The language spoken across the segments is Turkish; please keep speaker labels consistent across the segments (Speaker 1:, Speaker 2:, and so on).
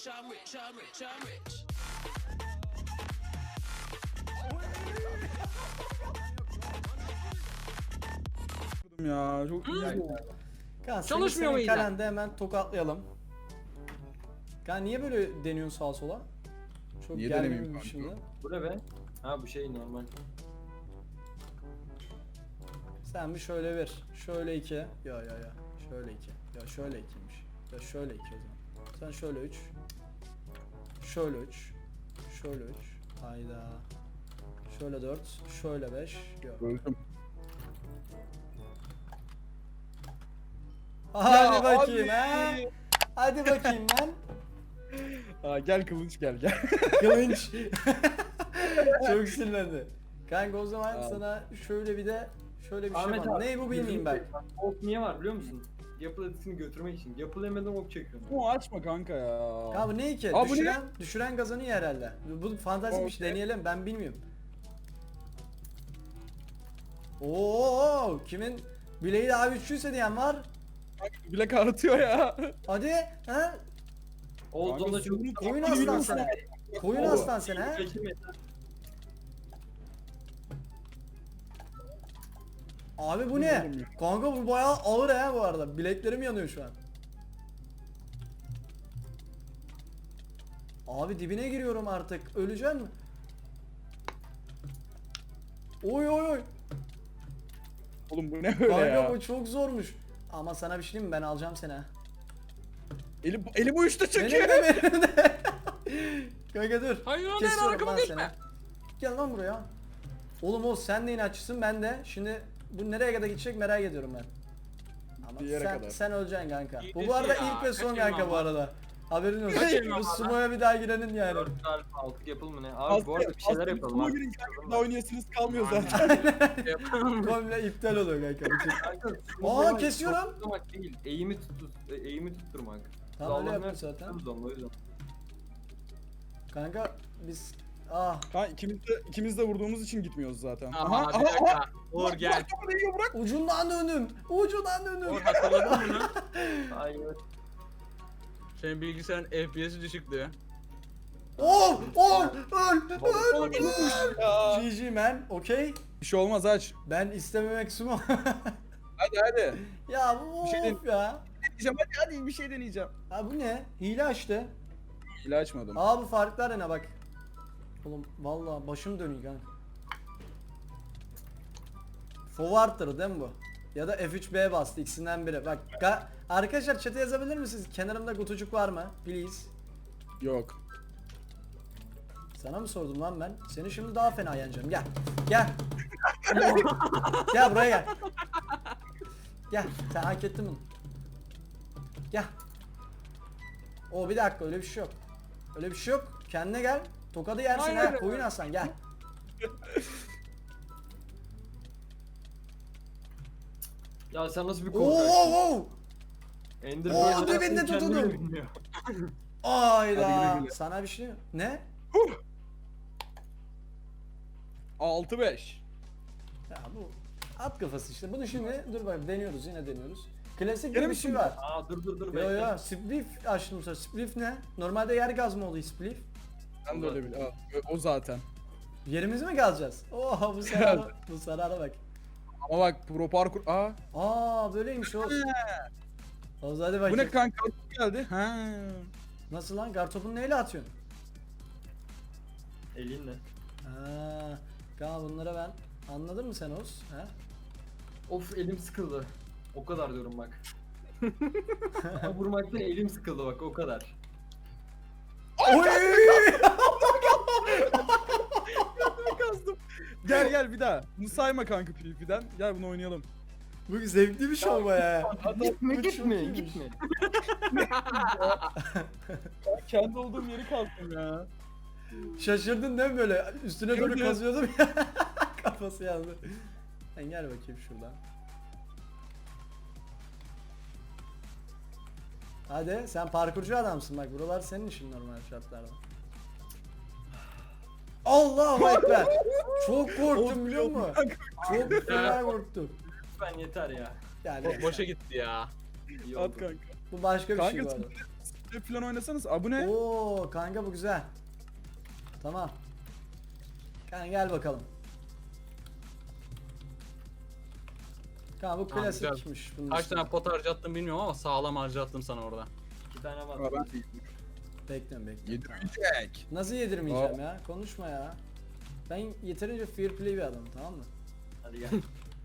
Speaker 1: Ya çok iyi.
Speaker 2: Çalışmıyor mu yine?
Speaker 3: Kalende hemen tokatlayalım. Ya niye böyle deniyorsun sağa sola? Çok
Speaker 1: Niye
Speaker 3: gergin
Speaker 1: denemeyeyim
Speaker 3: bir
Speaker 1: kanka?
Speaker 3: şimdi.
Speaker 4: Bu ne be? Ha bu şey normal.
Speaker 3: Sen bir şöyle ver. Şöyle 2. Ya. Şöyle 2. Ya şöyle 2'ymiş. Ya şöyle 2 o zaman. Sen şöyle 3. Şöyle 3. Şöyle 3. Hayda. Şöyle 4. Şöyle 5. Yok.
Speaker 1: Öldüm.
Speaker 3: Hadi bakayım
Speaker 1: abi.
Speaker 3: ha. Hadi bakayım lan.
Speaker 1: Aa, gel kılıç gel.
Speaker 3: Kılınç. Çok sinirlendi. Kanka o zaman
Speaker 1: Tamam.
Speaker 3: sana şöyle bir de şöyle bir şey
Speaker 4: Ahmet
Speaker 3: var.
Speaker 4: abi,
Speaker 3: Ne bu bilmeyeyim ben.
Speaker 4: Ok niye var biliyor musun? Yapı etisini götürmek için. Yapılemeden ok çekiyorum.
Speaker 1: Bu açma kanka ya.
Speaker 3: Ya bu ne ki?
Speaker 1: Aa, bu ne?
Speaker 3: Düşüren kazanıyor herhalde. Bu fantaziymiş,
Speaker 1: Okey.
Speaker 3: deneyelim, ben bilmiyorum. Oo, kimin bileği daha güçlüyse diyen var.
Speaker 1: Bilek ağrıtıyor ya.
Speaker 3: Hadi ha?
Speaker 4: Olduğunda çok...
Speaker 3: Koyun aslan sana. Koyun
Speaker 1: Oo.
Speaker 3: aslan sen ha. Abi bu ne?
Speaker 1: Bilmiyorum
Speaker 3: Kanka bu bayağı ağır ha bu arada. Bileklerim yanıyor şu an. Abi dibine giriyorum artık. Öleceksin mi? Oy oy oy.
Speaker 1: Oğlum bu ne böyle
Speaker 3: Kanka
Speaker 1: ya?
Speaker 3: bu çok zormuş. Ama sana bir şey diyeyim mi? Ben alacağım seni ha.
Speaker 1: Elim uyuştu çünkü.
Speaker 3: Benim de. Kanka dur.
Speaker 2: Hayır lan
Speaker 3: Kesiyorum
Speaker 2: arkama
Speaker 3: lan
Speaker 2: geçme.
Speaker 3: seni. Gel lan buraya. Oğlum o sen de inatçısın, ben de. Şimdi bu nereye kadar gidecek merak ediyorum ben. Ama
Speaker 1: Bir yere
Speaker 3: sen,
Speaker 1: kadar.
Speaker 3: sen öleceksin kanka.
Speaker 2: İyi
Speaker 3: Bu
Speaker 2: de
Speaker 3: bu arada
Speaker 2: şey ya,
Speaker 3: ilk ve son
Speaker 2: kaçırma
Speaker 3: kanka bu
Speaker 2: ama.
Speaker 3: arada. Haberin olsun.
Speaker 2: Kaçırma
Speaker 3: Bu
Speaker 2: ama.
Speaker 3: sumoya bir daha girenin yani.
Speaker 4: 4 alfa 6 yapıl mı ne? Abi bu arada bir şeyler yapalım
Speaker 1: Kuma
Speaker 4: abi.
Speaker 1: girin kanka, daha oynayasınız kalmıyor zaten.
Speaker 3: Komple iptal oluyor kanka. bütün.
Speaker 4: Kanka,
Speaker 3: Aa, kesiyorum.
Speaker 4: Tutturmak değil. Eğimi tutturmak.
Speaker 3: Tamam öyle
Speaker 4: Sağlamlar
Speaker 3: yaptık zaten.
Speaker 4: tutuyoruz onu, o yüzden.
Speaker 3: Kanka biz... Ah.
Speaker 1: Kanka ikimiz de vurduğumuz için gitmiyoruz zaten.
Speaker 2: Aha, bir dakika. Uğur gel.
Speaker 1: Bırak topu değiyor bırak.
Speaker 3: Ucundan döndüm. Ucundan döndüm.
Speaker 2: Uğur hatırladın mı bunu?
Speaker 4: Hayır.
Speaker 2: Senin bilgisayarın FPS'i düşüktü.
Speaker 3: Oh! Oh! Öl!
Speaker 2: Oğlum,
Speaker 1: Ya.
Speaker 3: GG man. Okey.
Speaker 1: Bir şey olmaz aç.
Speaker 3: Ben istememek sumo.
Speaker 1: Hadi.
Speaker 3: Ya bu
Speaker 1: Bir şey
Speaker 3: of ya.
Speaker 1: Deneyeceğim hadi bir şey deneyeceğim.
Speaker 3: Ha bu ne? Hile açtı.
Speaker 1: Hile açmadım.
Speaker 3: Aa bu farklar ne bak. Oğlum vallahi başım dönüyor kanka. Forward'tır değil mi bu? Ya da F3B bastı, ikisinden biri. Bak arkadaşlar chat'e yazabilir misiniz? Kenarımda kutucuk var mı? Please.
Speaker 1: Yok.
Speaker 3: Sana mı sordum lan ben? Seni şimdi daha fena yeneceğim. Gel. Gel. Gel buraya gel. Gel. Sen hak ettin bunu. Gel. O bir dakika, öyle bir şey yok. Öyle bir şey yok. Kendine gel. Tokadı yersin
Speaker 2: Hayır.
Speaker 3: ha. Koyun aslan gel.
Speaker 4: Ya sen nasıl bir
Speaker 3: Oo
Speaker 4: korkaksın?
Speaker 3: oo.
Speaker 4: Ender
Speaker 3: Oo,
Speaker 4: Pearl'ı
Speaker 3: dibinde
Speaker 4: kendini
Speaker 3: tutundum.
Speaker 4: bilmiyor.
Speaker 3: Ayda.
Speaker 1: Hadi güle güle.
Speaker 3: Sana bir şey ne?
Speaker 1: 6-5.
Speaker 3: Ya bu at kafası işte. Bunu şimdi dur bak deniyoruz, yine deniyoruz. Klasik
Speaker 1: Gene
Speaker 3: bir
Speaker 1: mi
Speaker 3: şey
Speaker 1: şimdi?
Speaker 3: var.
Speaker 4: Aa dur
Speaker 3: Yo
Speaker 4: bekle.
Speaker 3: yo spliff açtım sonra. Spliff ne? Normalde yer gaz mı oluyor spliff?
Speaker 1: Ben de öyle bil. O zaten.
Speaker 3: Yerimizi mi gazacağız? Oha bu sarara, bu sarara bak.
Speaker 1: Ama bak pro parkur.
Speaker 3: Aa böyleymiş o. Oğuz hadi bakayım.
Speaker 1: Bu ne kanka geldi? Ha.
Speaker 3: Nasıl lan? Kartopunu neyle atıyorsun?
Speaker 4: Elinle.
Speaker 3: Ha, kanka bunlara ben. Anladın mı sen Oğuz? Ha?
Speaker 4: Of elim sıkıldı. O kadar diyorum bak. Vurmaktan elim sıkıldı bak o kadar.
Speaker 3: Oy!
Speaker 1: Kazdım. Gel bir daha. Bunu sayma kanka PvP'den. Gel bunu oynayalım.
Speaker 3: Bu zevkli bir şov ya.
Speaker 4: Gitme
Speaker 3: Bu çok iyiymiş.
Speaker 4: gitme.
Speaker 1: Kendi olduğum yeri kazdım ya.
Speaker 3: Şaşırdın değil mi böyle? Üstüne doğru
Speaker 1: Evet.
Speaker 3: kazıyordum ya. Kafası yandı. Sen gel bakayım şuradan. Hadi sen parkurcu adamsın bak, buralar senin işin normal şartlarda. Allahu ekber. Çok korktum biliyor musun? Çok fena korktum.
Speaker 4: Lütfen yeter ya.
Speaker 3: Yani
Speaker 2: Boşa gitti ya.
Speaker 4: İyi
Speaker 1: At
Speaker 4: oldu.
Speaker 1: kanka.
Speaker 3: bu başka bir şey
Speaker 1: Kanka
Speaker 3: bu arada.
Speaker 1: falan oynasanız. Aa bu ne?
Speaker 3: Oo kanka bu güzel. Tamam. Kanka gel bakalım. Kanka bu
Speaker 2: Tamam, güzel.
Speaker 3: klasikmiş. Bunun
Speaker 2: Kaç
Speaker 3: üstüne.
Speaker 2: tane pot harcattım bilmiyorum ama sağlam harcattım sana orada.
Speaker 4: 2 tane var.
Speaker 1: Aa, ben
Speaker 3: Bekliyorum.
Speaker 1: yedirmeyecek.
Speaker 3: Nasıl yedirmeyeceğim ya? Konuşma ya. Ben yeterince fair play bir adamım, tamam mı?
Speaker 4: Hadi gel.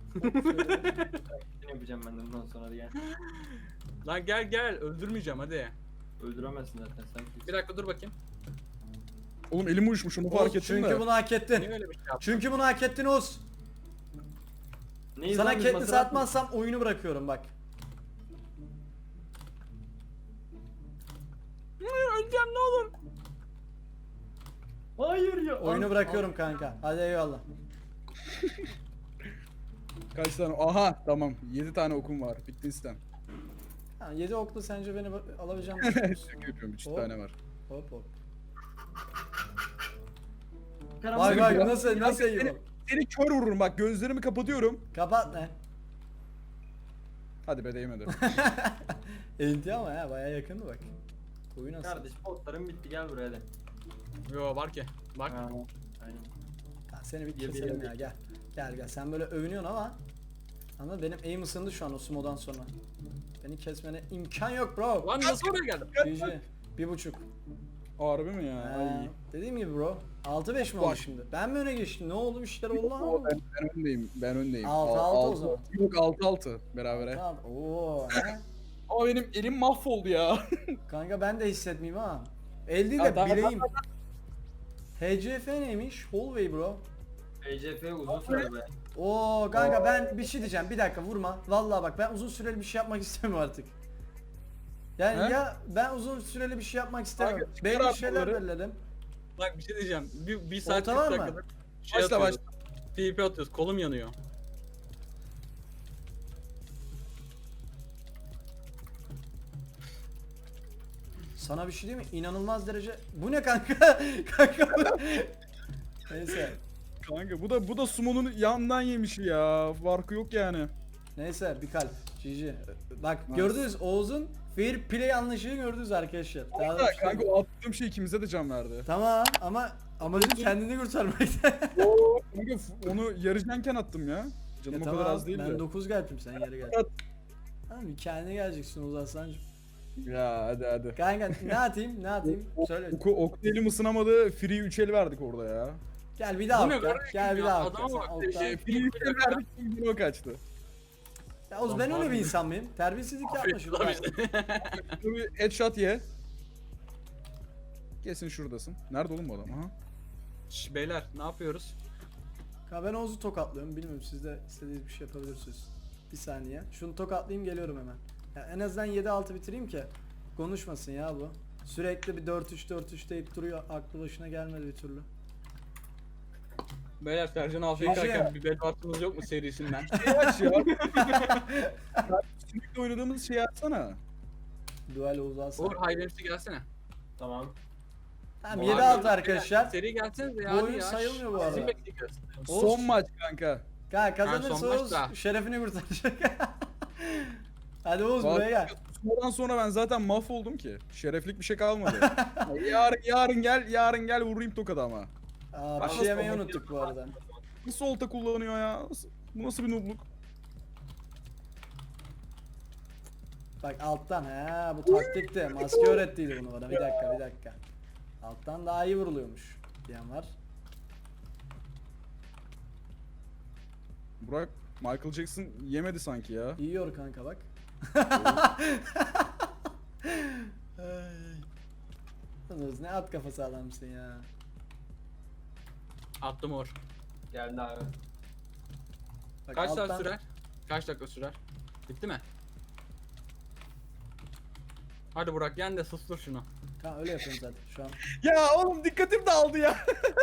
Speaker 4: Ne yapacağım ben de bundan sonra, hadi gel.
Speaker 2: Lan gel öldürmeyeceğim hadi.
Speaker 4: Öldüremezsin zaten sen.
Speaker 2: Bir dakika dur bakayım.
Speaker 1: Oğlum elim uyuşmuş onu fark ettim
Speaker 3: Çünkü
Speaker 1: de.
Speaker 3: bunu hak
Speaker 2: Niye
Speaker 3: ettin.
Speaker 2: öyle bir şey yaptın?
Speaker 3: Çünkü bunu hak ettin Oğuz.
Speaker 4: Neyiz
Speaker 3: Sana
Speaker 4: lan biz,
Speaker 3: Katniss
Speaker 4: Maserati?
Speaker 3: atmazsam oyunu bırakıyorum bak.
Speaker 2: Öleceğim ne olur.
Speaker 4: Hayır ya.
Speaker 3: Oyunu bırakıyorum kanka. Hadi eyvallah.
Speaker 1: Kaç tane? Aha tamam. 7 tane okum var. Bitti istem.
Speaker 3: Ha, 7 oklu sence beni alabileceğim mi?
Speaker 1: Şaka yapıyorum. 3
Speaker 3: Hop.
Speaker 1: tane var.
Speaker 3: Hop hop.
Speaker 4: Karanlık
Speaker 3: Vay
Speaker 4: bir
Speaker 3: vay
Speaker 4: ya.
Speaker 3: nasıl iyi
Speaker 1: Seni,
Speaker 3: bu?
Speaker 1: seni kör vururum bak gözlerimi kapatıyorum.
Speaker 3: Kapat ne?
Speaker 1: Hadi be değmedi.
Speaker 3: Enti ama ya baya yakındı bak. Koyu nasıl?
Speaker 4: Kardeş potlarım bitti, gel buraya hadi.
Speaker 2: Yo var ki. Bak.
Speaker 4: Ha, aynen.
Speaker 3: Ha, seni bir
Speaker 4: Yedi,
Speaker 3: keselim
Speaker 4: yedi.
Speaker 3: ya gel. Gel sen böyle övünüyorsun ama benim aim ısındı şu an o sumodan sonra. Beni kesmene imkan yok bro.
Speaker 2: Lan nasıl oraya geldim?
Speaker 3: GG. 1.5.
Speaker 1: Harbi mi ya?
Speaker 3: Ha,
Speaker 1: Ay.
Speaker 3: dediğim gibi bro. 6-5 mi oldu
Speaker 1: Bak.
Speaker 3: şimdi? Ben mi öne geçtim? Ne oldu? Bir şeyler oldu
Speaker 1: Oo,
Speaker 3: ama.
Speaker 1: ben öndeyim. Ben öndeyim.
Speaker 3: 6-6 o zaman.
Speaker 1: Yok 6-6 berabere.
Speaker 3: Tamam. Oo. he?
Speaker 1: Ama benim elim mahvoldu ya.
Speaker 3: Kanka ben de hissetmeyeyim ha. El değil
Speaker 1: Ha,
Speaker 3: de
Speaker 1: tamam,
Speaker 3: bileğim. HCF neymiş? Hallway bro.
Speaker 4: ECF uzun süre be.
Speaker 3: Oo kanka ben bir şey diyeceğim. Bir dakika vurma. Vallahi bak ben uzun süreli bir şey yapmak istemiyorum artık. Yani
Speaker 1: He?
Speaker 3: ya ben uzun süreli bir şey yapmak istemiyorum.
Speaker 1: Kanka,
Speaker 3: Belli
Speaker 1: çıkar
Speaker 3: şeyler
Speaker 1: bunları.
Speaker 3: belirledim.
Speaker 2: Bak bir şey diyeceğim. Bir saat
Speaker 3: Olta var
Speaker 2: 40
Speaker 3: mı?
Speaker 2: dakikada şey
Speaker 1: Başla,
Speaker 2: atıyoruz. TP atıyoruz. Kolum yanıyor.
Speaker 3: Sana bir şey diyeyim mi? İnanılmaz derece. Bu ne kanka? Kanka bu. Neyse.
Speaker 1: Kanka bu da sumonun yandan yemişi ya. Farkı yok yani.
Speaker 3: Neyse bir kalp. GG. Bak
Speaker 1: Nice.
Speaker 3: gördünüz Oğuz'un fair play anlayışını gördünüz arkadaşlar. Daha da bir
Speaker 1: Kanka,
Speaker 3: şey
Speaker 1: kanka
Speaker 3: yok.
Speaker 1: o attığım şey ikimize de can verdi.
Speaker 3: Tamam ama amacın kendini kurtarmakta.
Speaker 1: Oo, kanka onu yarıcanken attım ya. Canım
Speaker 3: Ya
Speaker 1: o kadar az değildi.
Speaker 3: Ben 9 geldim sen yarı gel. Tamam kendine geleceksin Oğuz Aslancığım.
Speaker 1: Ya hadi.
Speaker 3: Kanka ne atayım ne atayım söyle.
Speaker 1: Ok elim ısınamadı. Free 3 el verdik orada ya.
Speaker 3: Gel bir daha
Speaker 2: Bu ne
Speaker 3: okla.
Speaker 2: kardeşim
Speaker 3: Gel bir
Speaker 2: ya?
Speaker 3: daha
Speaker 2: Adama
Speaker 3: okla.
Speaker 2: bak,
Speaker 3: Sen okla.
Speaker 2: şey,
Speaker 1: Free 3 el verdik. Yine o kaçtı.
Speaker 3: Ya Oğuz ben öyle bir insan mıyım? Terbiyesizlik yapma şurada.
Speaker 1: Dur bir headshot ye. Kesin şuradasın. Nerede oğlum bu adam? Aha.
Speaker 2: Şş, beyler ne yapıyoruz?
Speaker 3: Ya ben Oğuz'u tokatlıyorum. Bilmiyorum siz de istediğiniz bir şey yapabilirsiniz. Bir saniye. Şunu tokatlayayım geliyorum hemen. Ya en azından 7-6 bitireyim ki konuşmasın ya bu. Sürekli bir 4-3 deyip duruyor. Aklı başına gelmedi bir türlü.
Speaker 2: Beyler Sercan
Speaker 3: Şey,
Speaker 2: Afiyet'teyken bir bel baktığımız yok mu serisinden?
Speaker 1: Şey aç ya. Sürekli oynadığımız şeyi açsana.
Speaker 3: Duel Oğuz Aslan.
Speaker 2: Uğur Hayvemsi gelsene.
Speaker 4: Tamam.
Speaker 3: Tamam
Speaker 2: Abi,
Speaker 3: 7-6 arkadaşlar.
Speaker 2: Seri gelsenize ya.
Speaker 3: Bu
Speaker 2: hadi
Speaker 3: oyun
Speaker 2: ya.
Speaker 3: sayılmıyor bu
Speaker 2: Sizi
Speaker 3: arada.
Speaker 2: bekliyoruz.
Speaker 3: Oğuz-
Speaker 1: Son maç kanka.
Speaker 3: Kanka kazanırsa
Speaker 2: son
Speaker 3: Oğuz
Speaker 2: maçta.
Speaker 3: şerefini kurtaracak. Hadi Oğuz
Speaker 1: Bak-
Speaker 3: buraya gel.
Speaker 1: Sonradan sonra ben zaten mahvoldum ki. Şereflik bir şey kalmadı. yarın gel vurayım tokadı ama.
Speaker 3: Aa, bir
Speaker 1: Bak
Speaker 3: şey
Speaker 1: nasıl
Speaker 3: yemeyi
Speaker 1: oldu?
Speaker 3: unuttuk bu arada.
Speaker 1: Nasıl olta kullanıyor ya? Bu nasıl bir noobluk?
Speaker 3: Bak alttan he bu taktikti. Maske öğrettiydi bunu bana. Bir dakika. Alttan daha iyi vuruluyormuş diyen var.
Speaker 1: Burak Michael Jackson yemedi sanki ya.
Speaker 3: Yiyor kanka bak. Ay. Yalnız ne at kafası adamsın ya.
Speaker 2: Attım Uğur.
Speaker 4: Geldi abi.
Speaker 3: Bak,
Speaker 2: Kaç
Speaker 3: alttan-
Speaker 2: saat sürer? Kaç dakika sürer? Bitti mi? Hadi Burak yen de sustur şunu.
Speaker 3: Kanka öyle yapıyorum zaten şu an.
Speaker 1: Ya oğlum dikkatim dağıldı ya.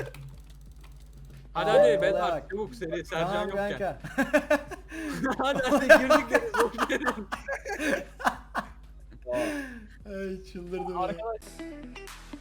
Speaker 2: Hadi
Speaker 3: Aa,
Speaker 2: hadi
Speaker 3: olaya
Speaker 2: Bedar
Speaker 3: bak.
Speaker 2: çabuk seri Sercan
Speaker 3: Tamam
Speaker 2: yokken.
Speaker 3: kanka.
Speaker 2: hadi girdik deriz boş verin.
Speaker 3: Ay çıldırdım ya.
Speaker 1: Arkadaş